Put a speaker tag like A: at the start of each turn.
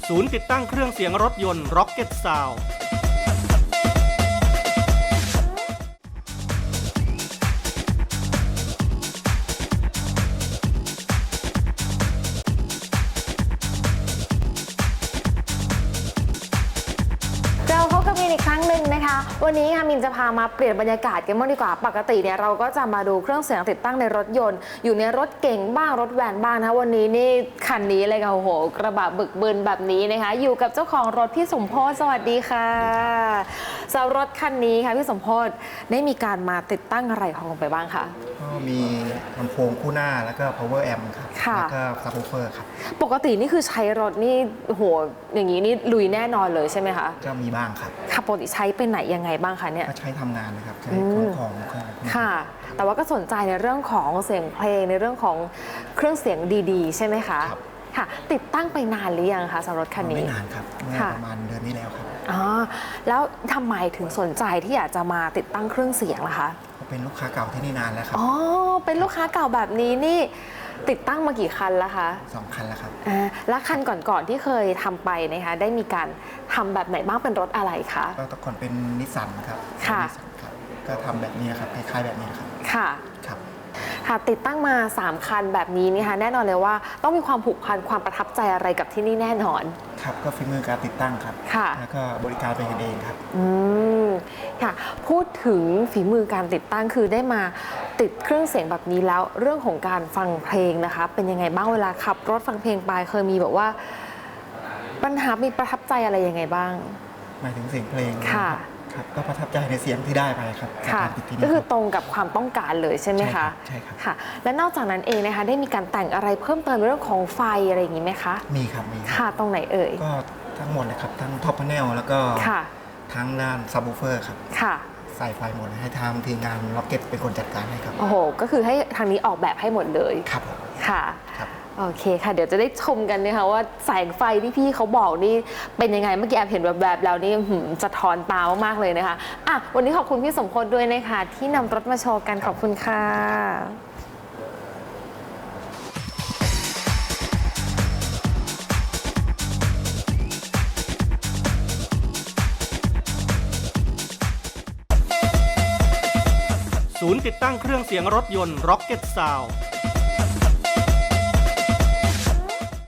A: ศูนย์ติดตั้งเครื่องเสียงรถยนต์ Rocket Sound
B: มินอีกครั้งหนึ่งนะคะวันนี้ค่ะมินจะพามาเปลี่ยนบรรยากาศกันบ้างดีกว่าปกติเนี่ยเราก็จะมาดูเครื่องเสียงติดตั้งในรถยนต์อยู่ในรถเก๋งบ้างรถแวนบ้างนะวันนี้นี่คันนี้เลยค่ะโอ้โหกระบะบึกบึนแบบนี้นะคะอยู่กับเจ้าของรถพี่สมโพธสวัสดีค่ะสำหรับรถคันนี้ค่ะพี่สมโพธได้มีการมาติดตั้งอะไรของลงไปบ้างคะ
C: ก็มีลำโพงคู่หน้าแล้วก็ power amp ครับแล้วก็ subwoofer ครับ
B: ปกตินี่คือใช้รถนี่โหอย่างนี้นี่ลุยแน่นอนเลยใช่ไหมคะ
C: ก็มีบ้างครับ
B: ค่ะปกติใช้ไปไหนยังไงบ้างคะเนี่ย
C: ก็ใช้ทำงานนะครับใช้ขนของ
B: ค่ะแต่ว่าก็สนใจในเรื่องของเสียงเพลงในเรื่องของเครื่องเสียงดีๆใช่ไหมคะค่ะติดตั้งไปนานหรือยังคะสำหรับรถคันนี้
C: ไม่นานครับประมาณเดือนนี้แล้วครับ
B: อ๋อแล้วทำไมถึงสนใจที่อยากจะมาติดตั้งเครื่องเสียงล่ะคะ
C: เป็นลูกค้าเก่าที่นี่นานแล้วครับ
B: อ๋อเป็นลูกค้าเก่าแบบนี้นี่ติดตั้งมากี่คันแล้วคะ
C: 2 คันแล้วครับ
B: แล้วคันก่อนๆที่เคยทำไปนะคะได้มีการทำแบบไหนบ้างเป็นรถอะไรคะ
C: ก็แต่ก่อนเป็นนิสสันครับ
B: ค่ะ
C: ก็ทำแบบนี้ครับคล้ายๆแบบนี้ครับ
B: ค่ะ
C: ครับ
B: ค่ะติดตั้งมา3คันแบบนี้นี่ค่ะแน่นอนเลยว่าต้องมีความผูกพันความประทับใจอะไรกับที่นี่แน่นอน
C: ครับก็ฝีมือการติดตั้งครับแล้วก็บริการเป็นกันเองครับ
B: ค่ะพูดถึงฝีมือการติดตั้งคือได้มาติดเครื่องเสียงแบบนี้แล้วเรื่องของการฟังเพลงนะคะเป็นยังไงบ้างเวลาขับรถฟังเพลงไปเคยมีแบบว่าปัญหามีประทับใจอะไรยังไงบ้าง
C: หมายถึงเสียงเพลง
B: ค่ะ
C: ก็ประทับใจในเสียงที่ได้ไปครับ
B: ค่ะก็คือตรงกับความต้องการเลยใช่ไหมคะ
C: ใช่ครับ
B: ค่ะและนอกจากนั้นเองนะคะได้มีการแต่งอะไรเพิ่มเติมเรื่องของไฟอะไรอย่างนี้ไหมคะ
C: มีครับมี
B: ค่ะตรงไหนเอ่ย
C: ก็ทั้งหมดเลยครับทั้งท็อปพาเนลแล้วก็ทั้งด้านซับวูฟเฟอร์ครับ
B: ค่ะ
C: ใส่ไฟหมดให้ทางทีมงานล็อกเก็ตเป็นคนจัดการให้ครับ
B: โอ้โหก็คือให้ทางนี้ออกแบบให้หมดเลย
C: ครับ
B: ค่ะโอเคค่ะเดี๋ยวจะได้ชมกันนะคะว่าแสงไฟที่พี่เขาบอกนี่เป็นยังไงเมื่อกี้แอบเห็นแบบแล้วนี่สะท้อนตามากเลยนะคะอ่ะวันนี้ขอบคุณพี่สมพศด้วยนะคะที่นำรถมาโชว์กันขอบคุณค่ะ
A: ศูนย์ติดตั้งเครื่องเสียงรถยนต์ Rocket Sound